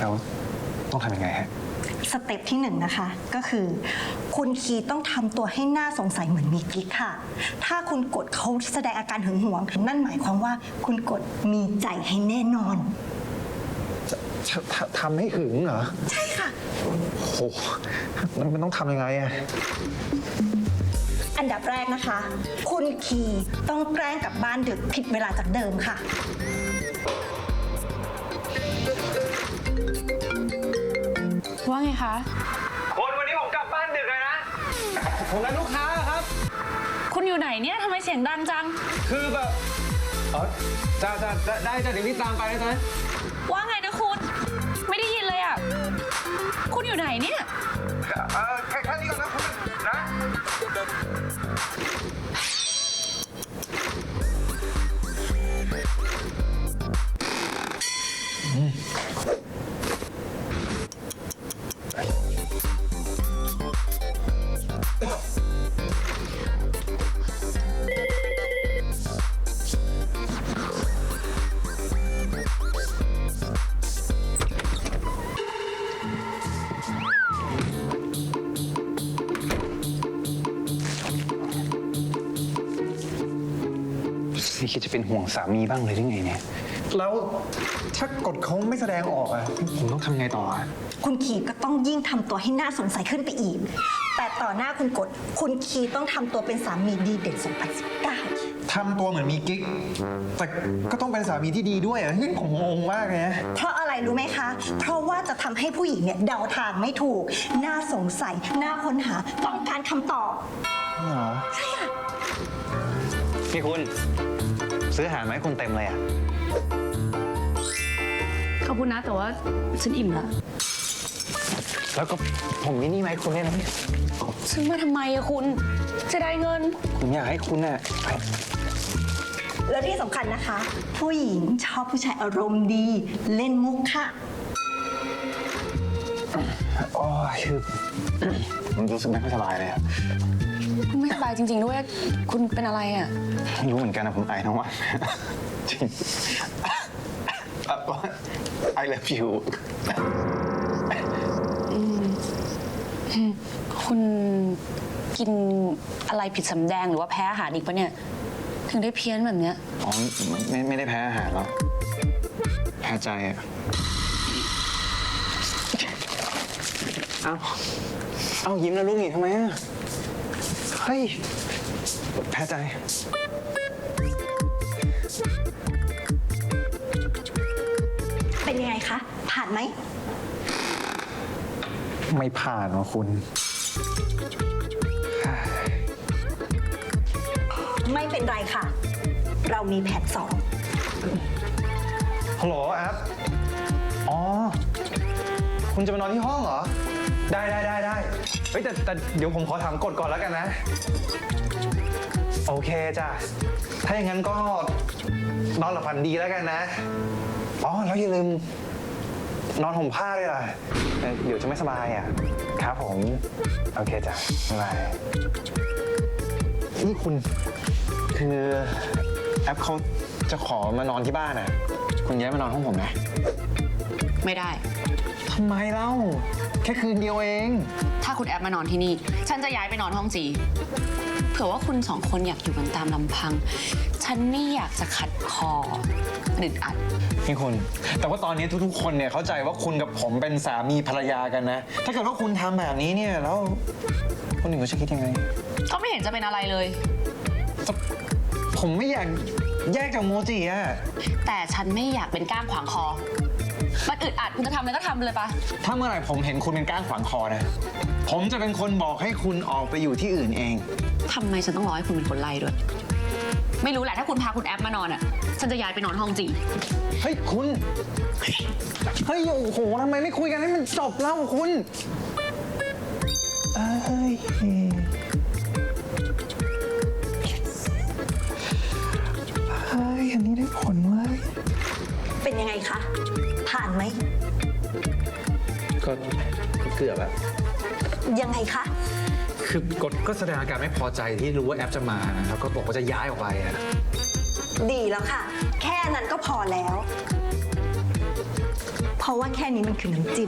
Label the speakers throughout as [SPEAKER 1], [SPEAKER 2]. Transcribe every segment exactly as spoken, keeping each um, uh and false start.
[SPEAKER 1] แล้วต้องทำยังไงฮะ
[SPEAKER 2] สเต็ปที่หนึ่งนะคะก็คือคุณคีต้องทำตัวให้น่าสงสัยเหมือนมีกิ๊กค่ะถ้าคุณกดเขาแสดงอาการหึงหวงนั่นหมายความว่าคุณกดมีใจให้แน่นอน
[SPEAKER 1] ทำให้หึงเหรอ
[SPEAKER 2] ใช่ค่ะ
[SPEAKER 1] โอ้แล้วมันต้องทำยังไงอะ
[SPEAKER 2] อันดับแรกนะคะคุณคีต้องแกล้งกลับบ้านดึกผิดเวลาจากเดิมค่ะ
[SPEAKER 3] ว่าไงคะ
[SPEAKER 4] คนวันนี้ผมกลับบ้านดึกเลยนะผมนัดลูกค้าครับ
[SPEAKER 3] คุณอยู่ไหนเนี่ยทำไมเสียงดังจัง
[SPEAKER 4] คือแบบเออจะจะจะได้จะเดี๋ยวนี้ตามไปนะจ๊ะ
[SPEAKER 3] ว่าไงนะคุณไม่ได้ยินเลยอ่ะคุณอยู่ไหนเนี่ย
[SPEAKER 4] เออแค่แค่นี้ก่อนนะคุณนะ
[SPEAKER 1] นี่คิดจะเป็นห่วงสามีบ้างเลยหรือไงเนี่ยแล้วถ้ากดเขาไม่แสดงออกอะผมต้องทำไงต่ออะ
[SPEAKER 2] คุณคีก็ต้องยิ่งทำตัวให้น่าสงสัยขึ้นไปอีกแต่ต่อหน้าคุณกดคุณคีต้องทำตัวเป็นสามีดีเด่นสองพันสิบเก้า
[SPEAKER 1] ทำตัวเหมือนมีกิ๊กแต่ก็ต้องเป็นสามีที่ดีด้วยอะที่ผมงงมากเลยนะ
[SPEAKER 2] เพราะอะไรรู้ไหมคะเพราะว่าจะทำให้ผู้หญิงเนี่ยเดาทางไม่ถูกน่าสงสัยน่าค้นหาต้องการคำตอบ
[SPEAKER 1] เหรอ
[SPEAKER 2] ใช่ค่ะ
[SPEAKER 1] พี่คุณซื้ออาหารไหมคุณเต็มเลยอ่ะ
[SPEAKER 3] ขอบคุณนะแต่ว่าฉันอิ่มแล้ว
[SPEAKER 1] แล้วก็ผมมินี่ไหมคุณเนี่ยนะ
[SPEAKER 3] ซื้อมาทำไมอะคุณจะได้เงิน
[SPEAKER 1] ผมอยากให้คุณน่ะ
[SPEAKER 2] แล้วที่สำคัญนะคะผู้หญิงชอบผู้ชายอารมณ์ดีเล่นมุกค่ะ
[SPEAKER 1] อ๋อคือผมรู้สึกไม่ค่อยสบายเลยอะ
[SPEAKER 3] คุณไม่สบายจริงๆด้วยคุณเป็นอะไรอ่ะ
[SPEAKER 1] ไม่รู้เหมือนกันนะผมไอทั้งวันจริง I love you
[SPEAKER 3] คุณกินอะไรผิดสำแดงหรือว่าแพ้อาหารอีกปะเนี่ยถึงได้เพี้ยนแบบเนี้ย
[SPEAKER 1] อ๋อไม่ไม่ได้แพ้อาหารหรอกแพ้ใจอะเอ้าเอ้ายิ้มแล้วลูกหนีทำไมอะเฮ้ยแพ้ใจ
[SPEAKER 2] เป็นยังไงคะผ่านไหม
[SPEAKER 1] ไม่ผ่านวะคุณ
[SPEAKER 2] ไม่เป็นไรค่ะเรามีแผนสอง
[SPEAKER 1] ฮัลโหลแอปอ๋อคุณจะมานอนที่ห้องเหรอได้ได้ได้ได้เฮ้ยแต่แต่เดี๋ยวผมขอถามกฎก่อนแล้วกันนะโอเคจ้ะถ้าอย่างนั้นก็นอนหลับฝันดีแล้วกันนะอ๋อแล้วอย่าลืมนอนห่มผ้าด้วยล่ะเดี๋ยวจะไม่สบายอ่ะครับผมโอเคจ้ะบ๊ายบายนี่คุณคือแอปเขาจะขอมานอนที่บ้านอ่ะคุณย้ายมานอนห้องผมนะ
[SPEAKER 3] ไม่ได้
[SPEAKER 1] ทำไมเล่าแค่คืนเดียวเอง
[SPEAKER 3] ถ้าคุณแอปมานอนที่นี่ฉันจะย้ายไปนอนห้องจีเผื่อว่าคุณสองคนอยากอยู่กันตามลำพังฉันไม่อยากจะขัดคออึดอัด
[SPEAKER 1] พี่คุณแต่ว่าตอนนี้ทุกๆคนเนี่ยเข้าใจว่าคุณกับผมเป็นสามีภรรยากันนะถ้าเกิดว่าคุณทำแบบนี้เนี่ยแล้วคนอื่นเขาจะคิดยังไง
[SPEAKER 3] ก็ไม่เห็นจะเป็นอะไรเลย
[SPEAKER 1] ผมไม่อยากแยกจากโมจิอะ
[SPEAKER 3] แต่ฉันไม่อยากเป็นก้างขวางคอมันอึดอัดคุณจะทำอะไรก็ทำเลยปะ
[SPEAKER 1] ถ้าเมื่อไหร่ผมเห็นคุณเป็นก้างขวางคอนะผมจะเป็นคนบอกให้คุณออกไปอยู่ที่อื่นเอง
[SPEAKER 3] ทำไมฉันต้องรอให้คุณเป็นคนไล่ด้วยไม่รู้แหละถ้าคุณพาคุณแอปมานอนอ่ะฉันจะย้ายไปนอนห้องจี
[SPEAKER 1] เฮ้ยคุณเฮ้ยโอ้โหทำไมไม่คุยกันให้มันจบแล้วคุณเอ้ยเฮ้ยอันนี้ได้ผลเว้ย
[SPEAKER 2] เป็นยังไงคะผ่านไหม
[SPEAKER 1] ก็เกือบอะ
[SPEAKER 2] ยังไงคะ
[SPEAKER 1] คือกดก็แสดงอาการไม่พอใจที่รู้ว่าแอปจะมาแล้วก็บอกว่าจะย้ายออกไปอะ
[SPEAKER 2] ดีแล้วค่ะแค่นั้นก็พอแล้วเพราะว่าแค่นี้มันคือน้ำจิ้ม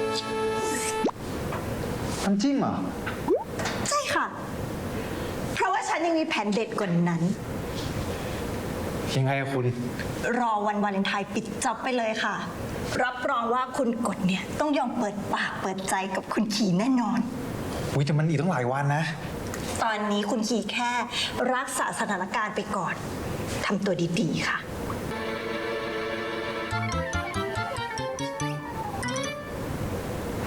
[SPEAKER 1] น้ำจิ้มเหรอ
[SPEAKER 2] ใช่ค่ะ เพราะว่าฉันยังมีแผนเด็ดกว่านั้น
[SPEAKER 1] ยังไงอะคุณ
[SPEAKER 2] รอวันวาเลนไทน์ปิดจ็อบไปเลยค่ะ รับรองว่าคุณกดเนี่ยต้องยอมเปิดปากเปิดใจกับคุณขี่แน่นอน
[SPEAKER 1] อุ้ยแต่มันอีกตั้งหลายวันนะ
[SPEAKER 2] ตอนนี้คุณขี่แค่รักษาสถานการณ์ไปก่อนทำตัวดีๆค่ะ